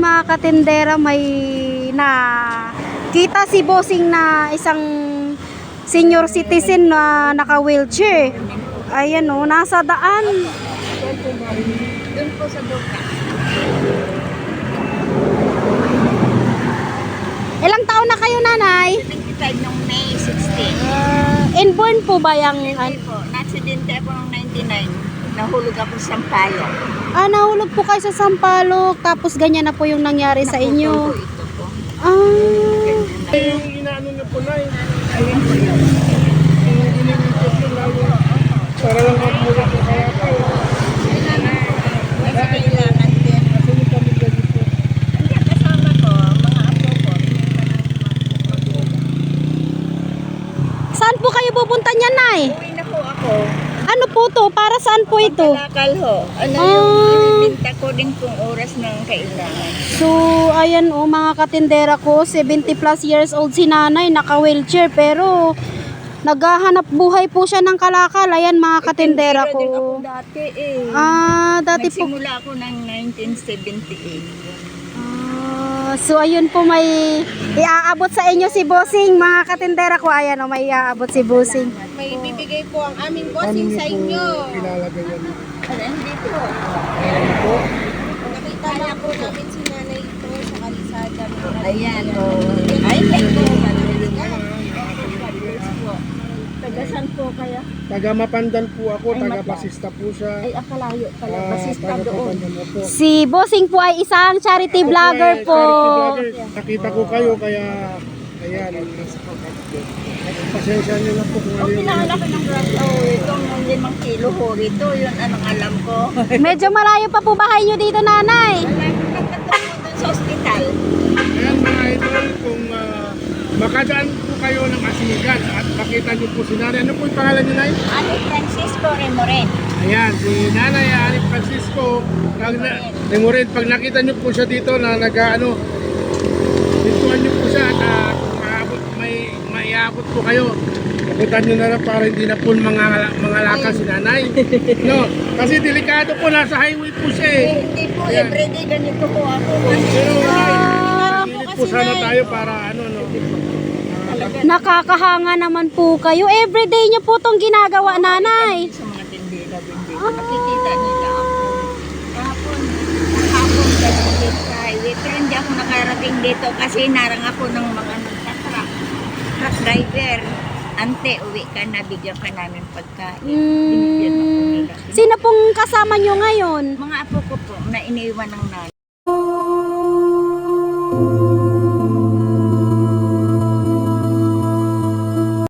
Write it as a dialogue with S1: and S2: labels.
S1: mga katindera, may na kita si bossing na isang senior citizen na naka-wheelchair. Ayan o, nasa daan.
S2: Doon po sa Doka.
S1: Ilang taon na kayo, nanay?
S2: 25 noong May 16.
S1: Inborn po ba yung...
S2: Hindi po. Na-aksidente ako noong 99. Nahulog ako sa Sampaloc.
S1: nahulog po kayo sa Sampaloc, tapos ganyan na po yung nangyari sa inyo.
S2: Naputol po ito po.
S1: Ah,
S3: Yung inaano niya po na eh.
S2: Ayun po yun.
S3: Yung ininikot yun lalo. Para lang magmula po kaya po.
S2: Kasi kailangan din.
S3: Kasi yung pamilya dito.
S2: Hindi, kasama ko, mga apo ko.
S1: saan po kayo pupunta niyan, nay?
S2: Uwi na po ako.
S1: Ano po to? Para saan po ito?
S2: Kalakal ho. Ano
S1: Ah.
S2: yung ibinta ko din kung oras ng kailangan.
S1: So, ayan o, mga katindera ko, 70 plus years old si nanay, naka-wheelchair, pero naghahanap buhay po siya ng kalakal. Ayan, mga katindera
S2: Tindera din ako
S1: ko.
S2: dati eh.
S1: Dati po.
S2: Nagsimula ako ng 1978.
S1: So, ayun po, may iaabot sa inyo si bossing, mga katindera ko. Ayan o, may iaabot si bossing.
S4: May bibigay po ang aming bossing sa inyo.
S3: Ilalagay yan.
S2: Ano, hindi po.
S3: Ano po?
S4: Nakita lang po namin si nanay ito sa kalisada.
S2: Ayan o. Ay, thank you. Tagasan po kaya?
S3: Taga Mapandan po ako,
S2: Ay,
S3: taga
S2: Matan.
S3: Basista po siya.
S2: Ay, akalayo pala. Basista
S3: Taga
S2: doon.
S3: Mapandan po.
S1: Si bossing po ay isang charity vlogger po.
S3: Charity vlogger. Nakita ko kayo kaya ayan. Pasensya niyo na po kung ano
S2: Oh,
S3: yung
S2: pinakalaki ng grass. Oh, itong 5 kilo ho. Ito, yun anong alam ko.
S1: Medyo malayo pa po bahay nyo dito, nanay.
S2: Nagtatrapo doon sa ospital.
S3: Ayan mga idol, kung makadaan po kayo ng Asigan at makita niyo po si Nanay. Ano po yung pangalan niyo, Nay?
S2: Ani Francisco Remoren.
S3: Ayan, si Nanay Ani Francisco. Remoren, pag nakita niyo po siya dito na nag-ano, dituan niyo po siya at maiabot po kayo. Kapitan niyo na lang para hindi na po mga lakas si Nanay. No, kasi delikado po, nasa highway po siya eh.
S2: Hindi po,
S3: Ayan.
S2: everyday ganito po ako.
S3: Pero pilit po sana tayo para ano, no.
S1: Nakakahanga naman po kayo. Everyday nyo po itong ginagawa, nanay.
S2: Sa mga tindera-bindi. Nakikita nila ako. Kahapon galing sa highway. Pero hindi ako nakarating dito kasi narang ako ng mga nagtatruck. Truck driver. Ante, uwi ka na, bigyan ka namin pagkain. Binigyan ako nila.
S1: Sino pong kasama nyo ngayon?
S2: Mga apo ko po na iniwan ng nanay.